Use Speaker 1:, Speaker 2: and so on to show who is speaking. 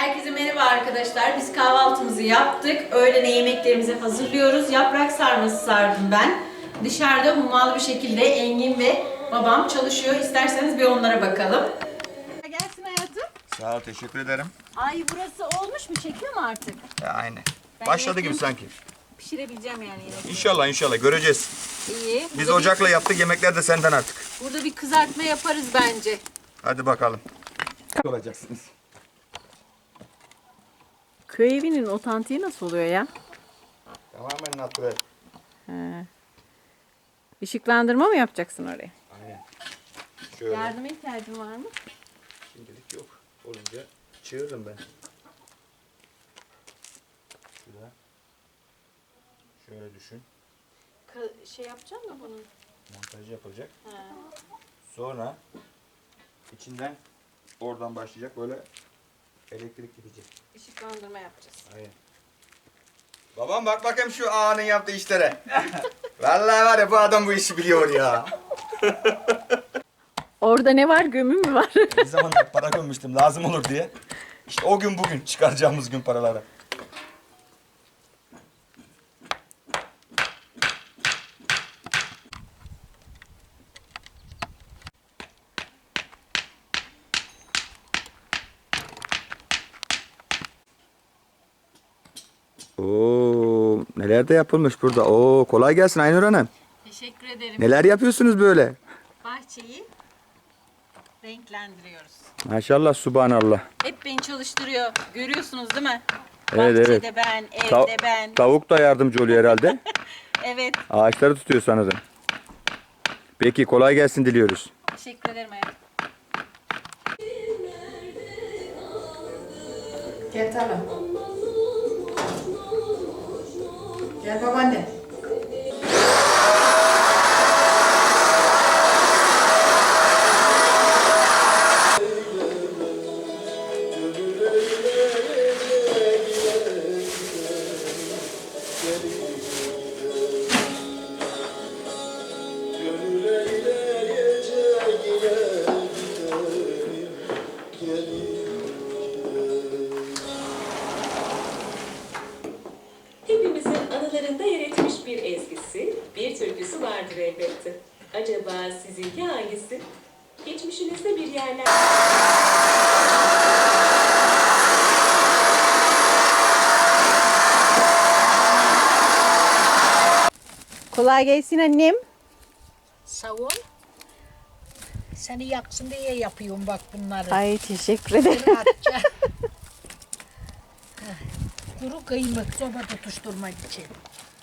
Speaker 1: Herkese merhaba arkadaşlar. Biz kahvaltımızı yaptık. Öğlene yemeklerimizi hazırlıyoruz. Yaprak sarması sardım ben. Dışarıda hummalı bir şekilde Engin ve babam çalışıyor. İsterseniz bir onlara bakalım. Gelsin hayatım.
Speaker 2: Sağ ol, teşekkür ederim.
Speaker 1: Ay burası olmuş mu? Çekiyor mu artık?
Speaker 2: Ya aynı.
Speaker 1: Ben
Speaker 2: Başladı gibi
Speaker 1: yakın-
Speaker 2: sanki.
Speaker 1: Pişirebileceğim yani yine.
Speaker 2: İnşallah inşallah göreceğiz.
Speaker 1: İyi.
Speaker 2: Biz
Speaker 1: Burada
Speaker 2: ocakla yaptık, yemekler de senden artık.
Speaker 1: Burada bir kızartma yaparız bence.
Speaker 2: Hadi bakalım. Olacaksınız.
Speaker 1: Köy evinin otantiği nasıl oluyor ya?
Speaker 2: Tamamen natural.
Speaker 1: Işıklandırma mı yapacaksın oraya?
Speaker 2: Aynen. Şöyle.
Speaker 1: Yardıma ihtiyacın var mı?
Speaker 2: Şimdilik yok. Olunca çığırırım ben. Şurada. Şöyle düşün.
Speaker 1: Şey yapacağım mı bunun?
Speaker 2: Montajı yapılacak. Sonra içinden oradan başlayacak böyle elektrik gidecek.
Speaker 1: Işıklandırma yapacağız.
Speaker 2: Aynen. Babam bak bakayım şu ağanın yaptığı işlere. Vallahi var ya bu adam bu işi biliyor ya.
Speaker 1: Orada ne var? Gömü mü var?
Speaker 2: Bir zaman para gömmüştüm lazım olur diye. İşte o gün bugün çıkaracağımız gün paraları. Oo, neler de yapılmış burada. Oo, kolay gelsin Aynur Hanım.
Speaker 1: Teşekkür ederim.
Speaker 2: Neler yapıyorsunuz böyle?
Speaker 1: Bahçeyi renklendiriyoruz.
Speaker 2: Maşallah, subhanallah.
Speaker 1: Hep beni çalıştırıyor. Görüyorsunuz değil mi?
Speaker 2: Evet,
Speaker 1: Bahçede
Speaker 2: evet.
Speaker 1: ben, evde ben.
Speaker 2: Tavuk da yardımcı oluyor herhalde.
Speaker 1: Evet.
Speaker 2: Ağaçları tutuyor sanırım. Peki, kolay gelsin diliyoruz.
Speaker 1: Teşekkür ederim hayatım.
Speaker 3: Gel tamam. Gel babaanne.
Speaker 4: Hepimizin anılarında yer etmiş bir ezgisi, bir türküsü vardır elbette. Acaba sizinki hangisi? Geçmişinizde bir yerler...
Speaker 1: Kolay gelsin annem.
Speaker 5: Sağ ol. Seni yaksın diye yapıyorum bak bunları.
Speaker 1: Ay teşekkür ederim.
Speaker 5: Kuru kıymık soba tutuşturmak için.